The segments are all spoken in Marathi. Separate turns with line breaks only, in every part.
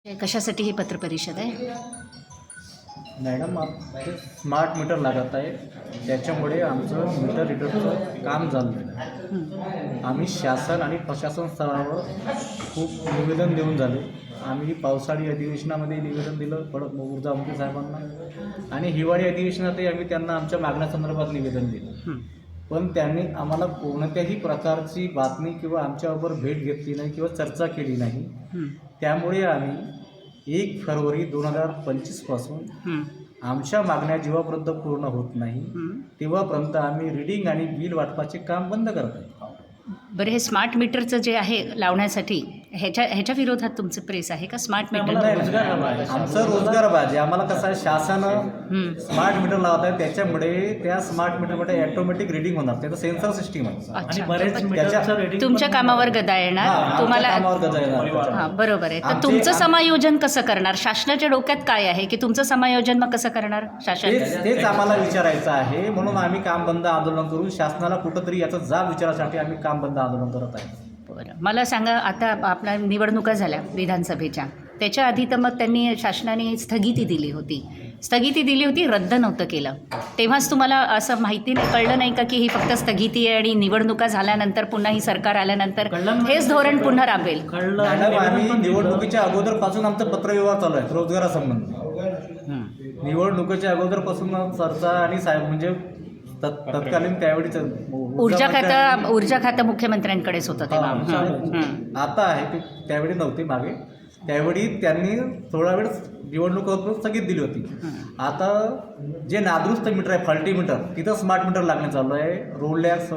कशासाठी ही पत्रपरिषद आहे?
मॅडम ते स्मार्ट मीटर लागत आहे, त्याच्यामुळे आमचं मीटर रीडरचं काम झालं आहे. आम्ही शासन आणि प्रशासन स्तरावर खूप निवेदन देऊन झाले. आम्ही पावसाळी अधिवेशनामध्ये निवेदन दिलं ऊर्जामंत्री साहेबांना, आणि हिवाळी अधिवेशनातही आम्ही त्यांना आमच्या मागण्यासंदर्भात निवेदन दिलं. पण त्यांनी आम्हाला कोणत्याही प्रकारची बातमी किंवा आमच्याबरोबर भेट घेतली नाही किंवा चर्चा केली नाही. त्यामुळे आम्ही 1 फेब्रुवारी 2025 पासून आमच्या मागण्या जेव्हापर्यंत पूर्ण होत नाही तेव्हापर्यंत आम्ही रीडिंग आणि बिल वाटपाचे काम बंद करत आहे.
बरं, हे स्मार्ट मीटरचं जे आहे लावण्यासाठी ह्याच्या विरोधात तुमचं प्रेस आहे का? स्मार्ट मीटर
आमचं रोजगार पाहिजे. आम्हाला कसं आहे, शासन स्मार्ट मीटर लावत आहे, त्याच्यामुळे त्या स्मार्ट मीटरमध्ये ऑटोमॅटिक रीडिंग होणार. त्याचं सेन्सर सिस्टीम आहे आणि बरेच
तुमच्या कामावर गदा येणार तुम्हाला. हां, बरोबर आहे. तर तुमचं समायोजन कसं करणार? शासनाच्या डोक्यात काय आहे की तुमचं समायोजन मग कसं करणार शासन?
तेच आम्हाला विचारायचं आहे. म्हणून आम्ही काम बंद आंदोलन करून शासनाला कुठंतरी याचा जाब विचारासाठी आम्ही काम बंद आंदोलन करत आहे.
बरं, मला सांगा, आता आपल्या निवडणुका झाल्या विधानसभेच्या, त्याच्या आधी तर मग त्यांनी शासनाने स्थगिती दिली होती, रद्द नव्हतं केलं. तेव्हाच तुम्हाला असं माहिती कळलं नाही का की ही फक्त स्थगिती आहे आणि निवडणुका झाल्यानंतर पुन्हा ही सरकार आल्यानंतर हेच धोरण पुन्हा राबेल?
मॅडम, आम्ही निवडणुकीच्या अगोदरपासून आमचं पत्रव्यवहार चालू आहे रोजगारासंबंधी. निवडणुकीच्या अगोदरपासून चर्चा आणि साहेब म्हणजे तत्कालीन त्यावेळीच
ऊर्जा खातं मुख्यमंत्र्यांकडेच होतं तेव्हा.
आता आहे ते, त्यावेळी नव्हते मागे. त्यावेळी त्यांनी थोडा वेळ निवडणूक स्थगित दिली होती. आता जे नादुरुस्त मीटर आहे, फॉल्टी मीटर, तिथं स्मार्ट मीटर लागणे चालू आहे. रोलॅक्स,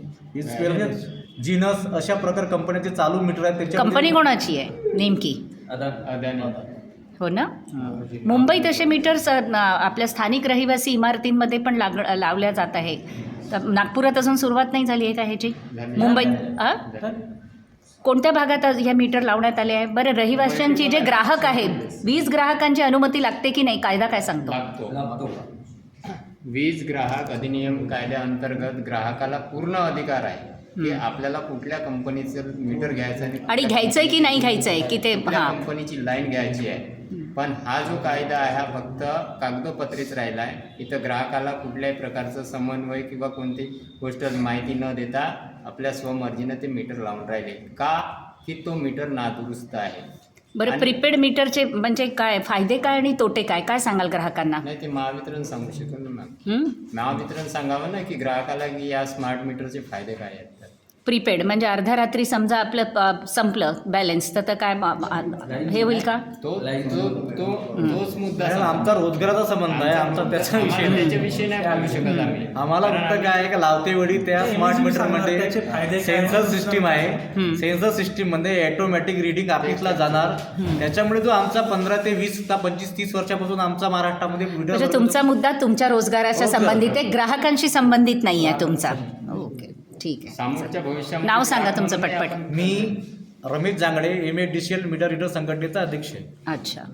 जीनस अशा प्रकार कंपन्याचे चालू मीटर आहेत. त्याच्या
कंपनी कोणाची आहे नेमकी?
अदानी.
हो ना. मुंबईत असे मीटर्स आपल्या स्थानिक रहिवासी इमारतींमध्ये पण लावल्या जात आहे. तर नागपुरात अजून सुरुवात नाही झाली आहे का ह्याची? मुंबईत कोणत्या भागात ह्या मीटर लावण्यात आले आहे? बरं, रहिवाशांची जे ग्राहक आहेत, वीज ग्राहकांची अनुमती लागते की नाही? कायदा काय सांगतो?
वीज ग्राहक अधिनियम कायद्याअंतर्गत ग्राहकाला पूर्ण अधिकार आहे की आपल्याला कुठल्या कंपनीचं मीटर घ्यायचं
आणि घ्यायचंय की नाही घ्यायचंय, की ते
कंपनीची लाईन घ्यायची आहे. पण हा जो कायदा आहे हा फक्त कागदोपत्रीच राहिला आहे. इथं ग्राहकाला कुठल्याही प्रकारचं समन्वय किंवा कोणती गोष्ट माहिती न देता आपल्या स्वमर्जीनं ते मीटर लावून राहिले का, की तो मीटर नादुरुस्त आहे.
बरं, प्रीपेड मीटरचे म्हणजे काय फायदे काय आणि तोटे काय काय सांगाल ग्राहकांना?
नाही, ते महावितरण सांगू शकतो ना मॅम. महावितरण सांगावं ना की ग्राहकाला की या स्मार्ट मीटरचे फायदे काय आहेत.
प्रीपेड म्हणजे अर्ध्या रात्री समजा आपलं संपलं बॅलन्स, तर काय हे होईल का?
तोच मुद्दा
आमचा रोजगाराचा संबंध आहे. आमचा
त्याच्याविषयी नाही बोलू शकत आम्ही.
आम्हाला फक्त काय आहे का, लावते वेळी त्या स्मार्ट मीटरमध्ये सेन्सर सिस्टीम आहे. सेन्सर सिस्टीम मध्ये ऑटोमॅटिक रीडिंग ऑफिसला जाणार. त्याच्यामुळे जो आमचा 15 ते 20 25 30 वर्षापासून आमचा महाराष्ट्रामध्ये
म्हणजे तुमचा मुद्दा तुमच्या रोजगाराच्या संबंधित आहे, ग्राहकांशी संबंधित नाही आहे तुमचा. ओके, ठीक आहे.
समोरच्या भविष्यात
नाव सांगा तुमचं पटपट.
मी Ramesh Jangde, MADCL meter reader संघटनेचा अध्यक्ष आहे.
अच्छा.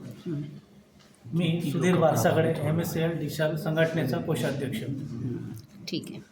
मी सुधीर बारसागडे, MSCL DCL संघटनेचा कोषाध्यक्ष.
ठीक आहे.